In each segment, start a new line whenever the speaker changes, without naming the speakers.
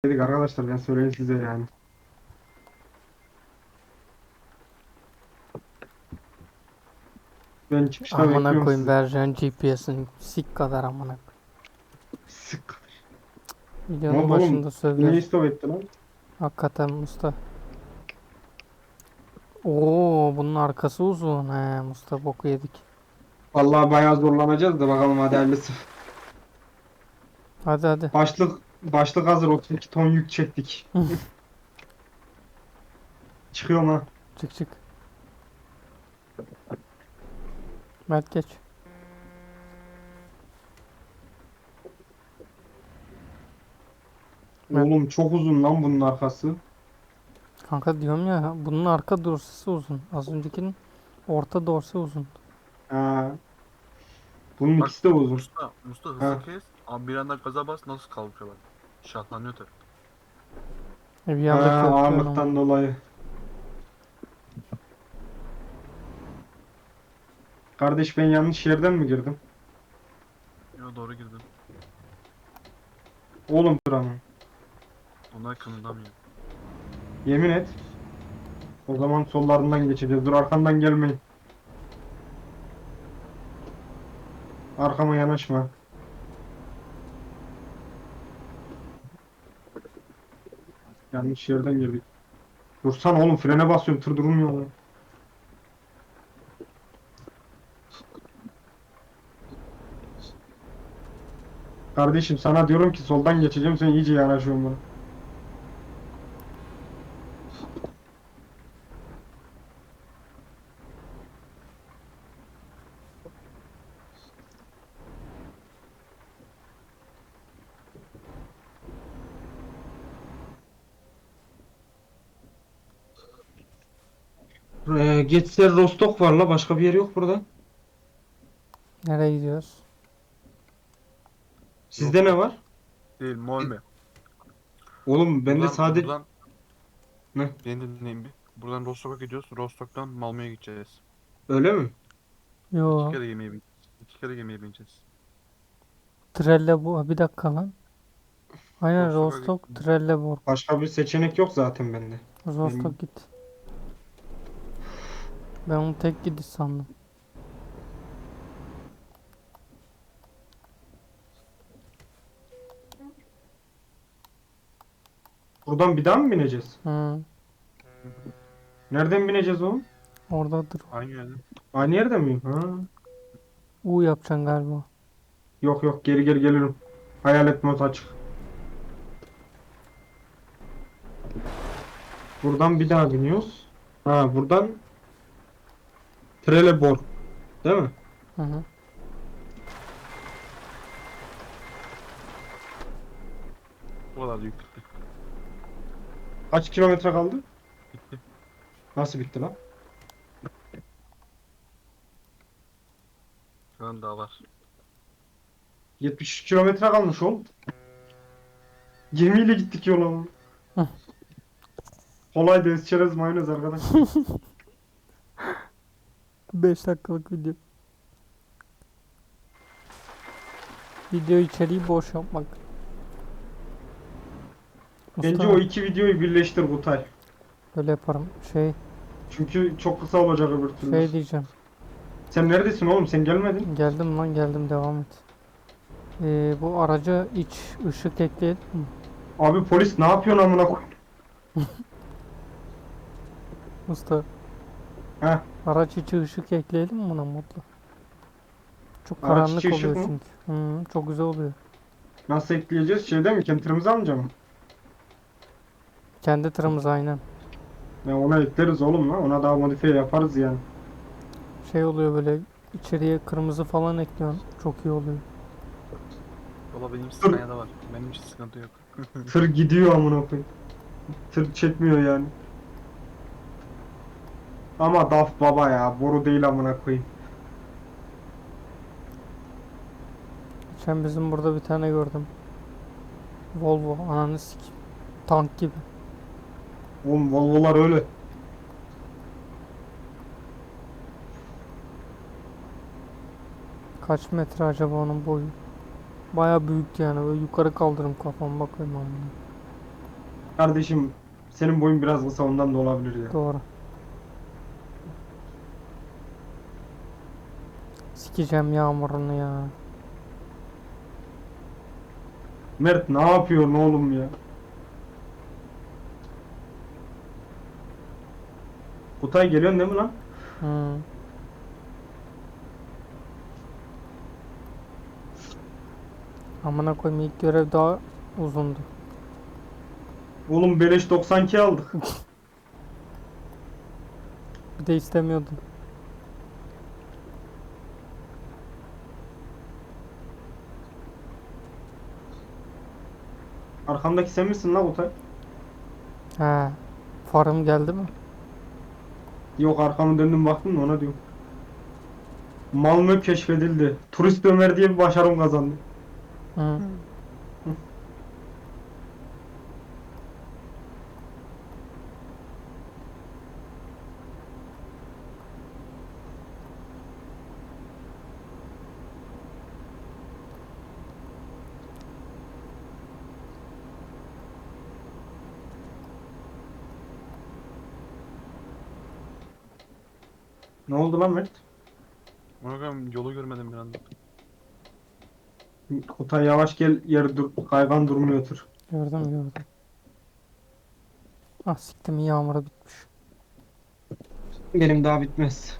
Dedik arkadaşlar ben söyleyeyim size yani. Ben çıkışta
Amına
bekliyorum
koyayım
sizi.
vereceğin GPS'in sik kadar amına koyayım.
Sık. Ne
Videonun
oldu oğlum?
başında
Niye
sövüyoruz.
istop etti lan?
Hakikaten Musta. Oo bunun arkası uzun. He Musta boku yedik.
Vallahi bayağı zorlanacağız da bakalım hadi hayırlısı.
Hadi hadi.
Başlık hazır 32 ton yük çektik. Çıkıyorum ha.
Çık çık. Mert geç. Mert.
Oğlum çok uzun lan bunun arkası.
Kanka diyorum ya bunun arka dorsesi uzun. Az öncekinin orta dorsi uzun.
Ha, bunun
Bak
ikisi de uzun.
Musta hızı
Ha.
kes. Ama bir anda gaza bas nasıl kalkıyor bak. Şahlanıyor tabii.
Bir
Ha,
anda köklüyor ama.
ağırlıktan dolayı. Kardeş ben yanlış yerden mi girdim?
Yo doğru girdin.
Oğlum dur ama.
Onlar kımıldamıyor.
Yemin et. O zaman sollarından geçeceğiz. Dur arkamdan gelmeyin. Arkama yanaşma. Yanlış yerden girdik. Dursana oğlum frene basıyorum tır durmuyor lan. Kardeşim sana diyorum ki soldan geçeceğim sen iyice yanaşıyorsun bana. Getser Rostok var la başka bir yer yok burada.
Nereye gidiyoruz?
Sizde ne var?
Değil Molme.
Oğlum bende sade...
Buradan
Ne?
beni dinleyin bir. Buradan Rostok'a gidiyoruz. Rostok'tan Malmö'ye gideceğiz.
Öyle mi?
İki
Yo.
kere gemiye bineceğiz. İki kere gemiye bineceğiz.
Trelleborg. Bir dakika lan. Aynen
Rostok'a
Rostock. Trelleborg.
Başka bir seçenek yok zaten bende.
Rostock
Benim...
git. Ben onu tek gidiş sandım.
Buradan bir daha mı bineceğiz?
Hı.
Nereden bineceğiz oğlum?
Oradadır.
Aynı yerde.
Aynı yerde miyim? Ha.
U yapacaksın galiba.
Yok yok geri geri gelirim. Hayalet mod açık. Buradan bir daha biniyoruz. Ha buradan Trelleborg. Değil mi?
Hı hı.
Bu kadar yük bitti.
Kaç kilometre kaldı?
Bitti.
Nasıl bitti lan?
Şu an daha var.
73 kilometre kalmış oğlum. Gemiyle gittik yola ama.
Hı.
Kolay deniz çerez mayonez arkadaş.
5 dakikalık video. Video içeriği boş yapmak.
Bence
Mustafa
o iki videoyu birleştir Kutay.
böyle yaparım.
Çünkü çok kısa olacak öbür türlü.
Şey diyeceğim.
Sen neredesin oğlum? Sen gelmedin.
Geldim lan geldim devam et. Bu araca iç ışık ekleyelim mi?
Abi polis ne yapıyorsun amına koy?
Mustafa
Heh.
araç içi ışık ekleyelim mi buna modla? Çok
Araç
karanlık
içi ışık
oluyor
mı?
çünkü. Hı, çok güzel oluyor.
Nasıl ekleyeceğiz? Şeyde mi? Kentırımızı alınca mı?
Kendi tırımız aynen.
Ya ona ekleriz oğlum lan. Ona daha modifiye yaparız yani.
Şey oluyor böyle içeriye kırmızı falan ekliyorsun. Çok iyi oluyor.
Valla benim Scania'da var. Benim hiç sıkıntı yok.
Tır gidiyor amına koyayım. Tır çekmiyor yani. Ama DAF baba ya. Boru değil amına koyayım.
Geçen bizim burada bir tane gördüm. Volvo ananı sikeyim. Tank gibi.
Oğlum Volvo'lar öyle.
Kaç metre acaba onun boyu? Baya büyük yani böyle yukarı kaldırım kafam bakayım amına.
Kardeşim senin boyun biraz kısa ondan da olabilir ya.
Doğru. Sikeceğim yağmurunu ya.
Mert ne yapıyorsun oğlum ya? Kutay geliyorsun değil mi lan?
Hı. Amına koyayım, ilk görev daha uzundu.
Oğlum beleş 92 aldık.
Bir de istemiyordum.
Arkamdaki sen misin lan Kutay?
He. Farım geldi mi?
Yok arkamı döndüm baktım da ona diyorum. Malmö keşfedildi. Turist Ömer diye bir başarım kazandı.
Hı.
Ne oldu lan Mert?
Bakalım yolu görmedim bir anda.
Kutay yavaş gel yer dur. Kaygan durmuyor tır.
Gördüm. Ah siktim, yağmuru bitmiş.
Benim daha bitmez.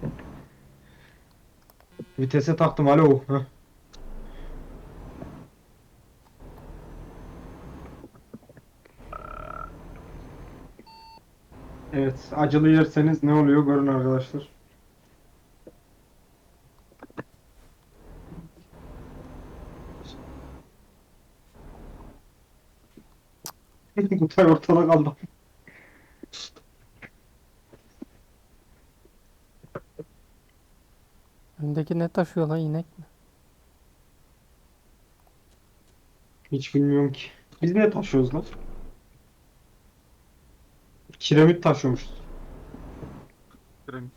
Vitese taktım alo. Heh. Evet acılı yerseniz ne oluyor görün arkadaşlar. Kutay ortada kaldı.
Öndeki ne taşıyor lan, inek mi?
Hiç bilmiyorum ki. Biz ne taşıyoruz lan? Kiremit taşıyormuşuz.
Piramit.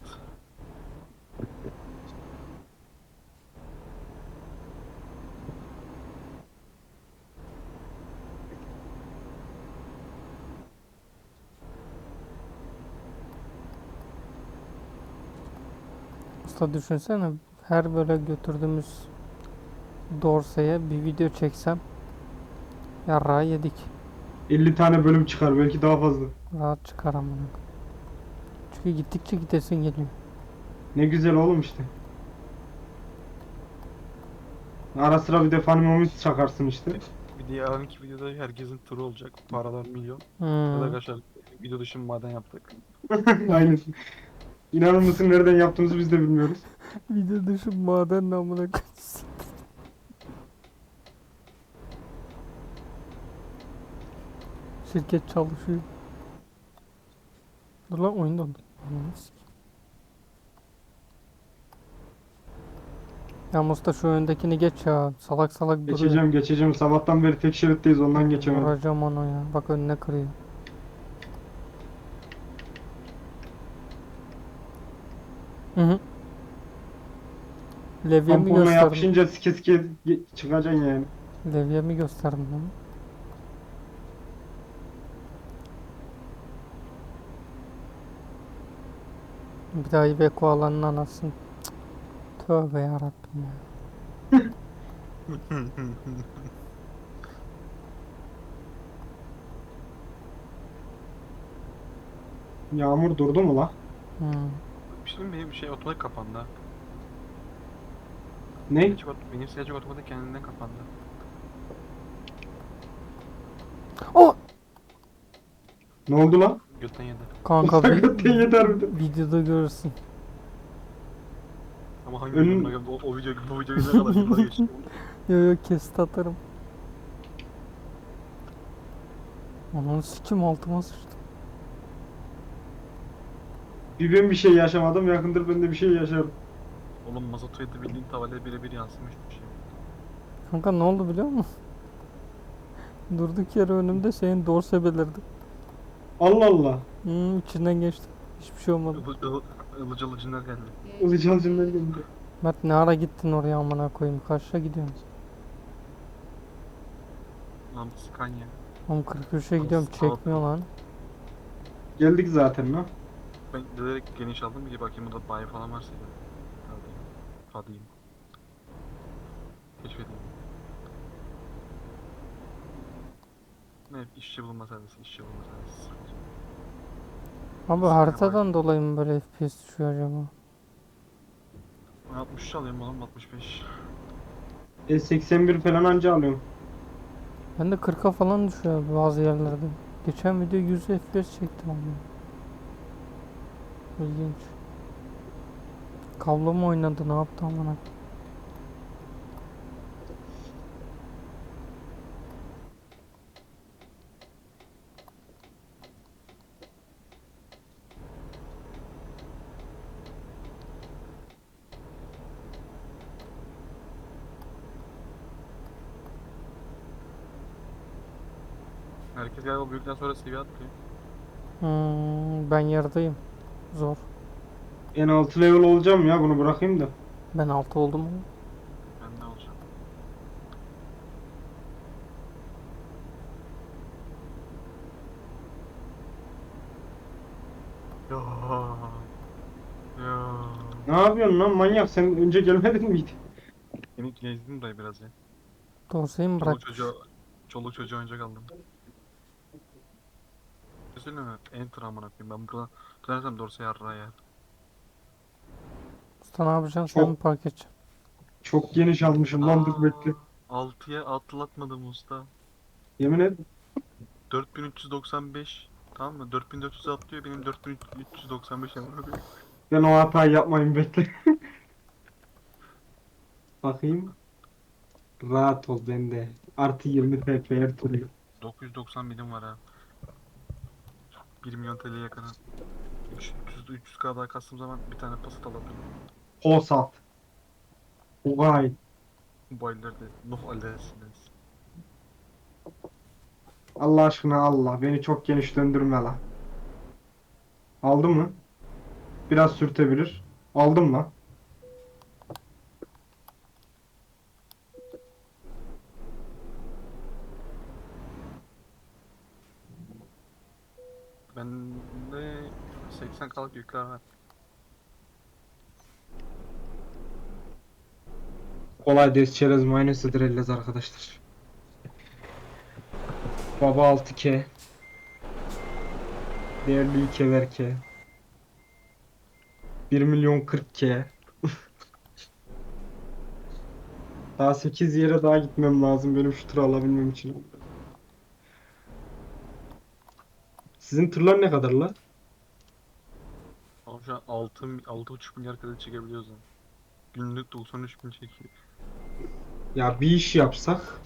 Usta düşünsene, her böyle götürdüğümüz Dorsey'e bir video çeksem yarrağı yedik.
50 tane bölüm çıkar belki daha fazla.
Rahat çıkar amına. Çünkü gittikçe gidesin geliyor.
Ne güzel oğlum işte. Ara sıra bir de Funny Moments çakarsın işte.
Bir de yarınki videoda herkesin turu olacak. Paralar milyon. Ya da
Hmm.
arkadaşlar video dışı maden yaptık.
Aynen. İnanır mısın nereden yaptığımızı biz de bilmiyoruz.
Video dışı maden namına koyayım. Şirket çalışıyor. Dur lan, oyun dondu. Ananı sikeyim. Ya Musta, şu öndekini geç ya. Salak salak duruyor.
Geçeceğim. Sabahtan beri tek şeritteyiz ondan geçemedim.
Vuracağım onu ya. Bak önüne kırıyor. Hı hı. Levyemi
Tamponla
gösterdim.
yapışınca sike sike çıkacaksın yani.
Levyemi gösterdim lan. Bir daha Iveco alanın anasını. Cık. Tövbe yarabbim ya.
Yağmur durdu mu la?
Hmm.
Bir şey diyeyim mi? Benim şey otomatik kapandı. Ha.
Ne?
Benim silahcık otomatik kendinden kapandı.
Oh!
Ne oldu la?
Götten yedi.
Kanka
Sakatın yeter bir de.
videoda görürsün.
Ama hangi
Önün-
videoda o video bu videoyu ne kadar yıllar geçti.
Yo kesit atarım. Ananı sikim, altıma sıçtım.
Bir ben bir şey yaşamadım yakındır ben de bir şey yaşarım.
Oğlum mazotu yedi bildiğin tavale birebir yansımış bir şey.
Kanka ne oldu biliyor musun? Durduk yere önümde senin dorse belirdi.
Allah Allah.
İçinden geçtim. Hiçbir şey olmadı.
Ilıcı ılıcınlar geldi.
Uzayacağım cümleleri geldi.
Mert ne ara gittin oraya amına koyayım? Kaçta gidiyorsun?
Lan Scania.
Oğlum 43'e gidiyorum, çekmiyor lan.
Geldik zaten lan.
Ben direkt geniş aldım ki bakayım burada bayi falan varsa da. Hadi. Hadi. Keşfedeyim. Ne işçi bulma servisi, işçi bulma servisi.
Abi haritadan dolayı mı böyle FPS düşüyor acaba?
Ben 63 alayım oğlum, 65.
81 falan anca alıyorum.
Ben de 40'a falan düşüyor bazı yerlerde. Geçen video 100 FPS çektim ama. İlginç. Kablo mu oynadı, ne yaptı amına?
Herkes galiba büyükten sonra seviye atlıyor.
Ben yerdeyim. Zor.
En altı level olacağım ya, bunu bırakayım da.
Ben 6 oldum ama.
Ben ne olacağım? Ya. Ya.
Ne yapıyorsun lan manyak, sen önce gelmedin miydi?
Yeni gezdim dayı biraz ya.
Dorsayı mı
Çoluk
bırakmış?
çocuğa, çoluk çocuğa oyuncak aldım. Düşünsene mi? Enter amına koyayım. Ben burada dönersem dorsa yarra ya.
Usta ne yapacaksın, sen mi
Çok
park edeceksin?
çok geniş almışım lan, dur bekle.
6'ya atlatmadım usta.
Yemin et.
4395. Tamam mı? 4400 atlıyor, benim 4395 amına koyayım.
Ben o hatayı yapmayayım, bekle. Bakayım. Rahat ol bende. Artı 20 TP her türlü.
990 milim var ha. 1 milyon TL'ye yakın. 300k daha kastığım zaman bir tane pasat alabilirim.
Posat. Vay.
Bu aylarda Nuh Aleyhisselam.
Allah aşkına Allah. Beni çok geniş döndürme la. Aldı mı? Biraz sürtebilir. Aldım lan.
Bende 80k'lık yükler var.
Kolay des çerez mayonez hıdrellez arkadaşlar. Baba 6K. Değerli Keverke. 1 milyon 40K. Daha 8 yere daha gitmem lazım benim şu tırı alabilmem için. Sizin tırlar ne kadar la?
Ama şu an 6,5 milyar kredi çekebiliyoruz yani. Günlük 93 bin çekiyor.
Ya bir iş yapsak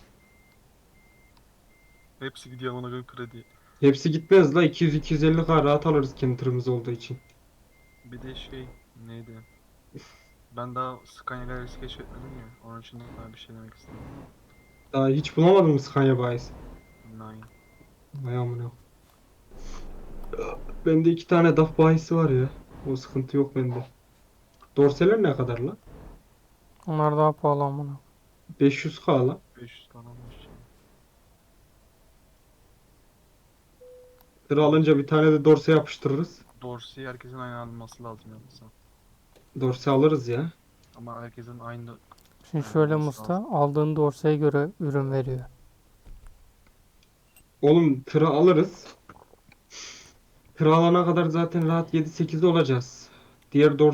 Hepsi gidiyor ona göre kredi.
hepsi gitmez la, 200-250K rahat alırız kendi tırımız olduğu için.
Bir de şey neydi? Ben daha Scania Galaxy keşfetmedim ya. Onun için daha bir şey demek istedim.
Daha hiç bulamadım mı Scania bayisi?
Nine.
Vay amına. Bende 2 tane DAF bayisi var ya. O sıkıntı yok bende. Dorseler ne kadar la?
Onlar daha pahalı amına.
500K la.
500 tane almış.
Tır alınca bir tane de dorse yapıştırırız.
Dorsey'i herkesin aynı alması lazım yoksa.
Dorse alırız ya.
Ama herkesin aynı
Şimdi şöyle
alması
Musta,
lazım.
aldığın dorsaya göre ürün veriyor.
Oğlum tırı alırız. Tır alana kadar zaten rahat 7-8'de olacağız. Diğer dorse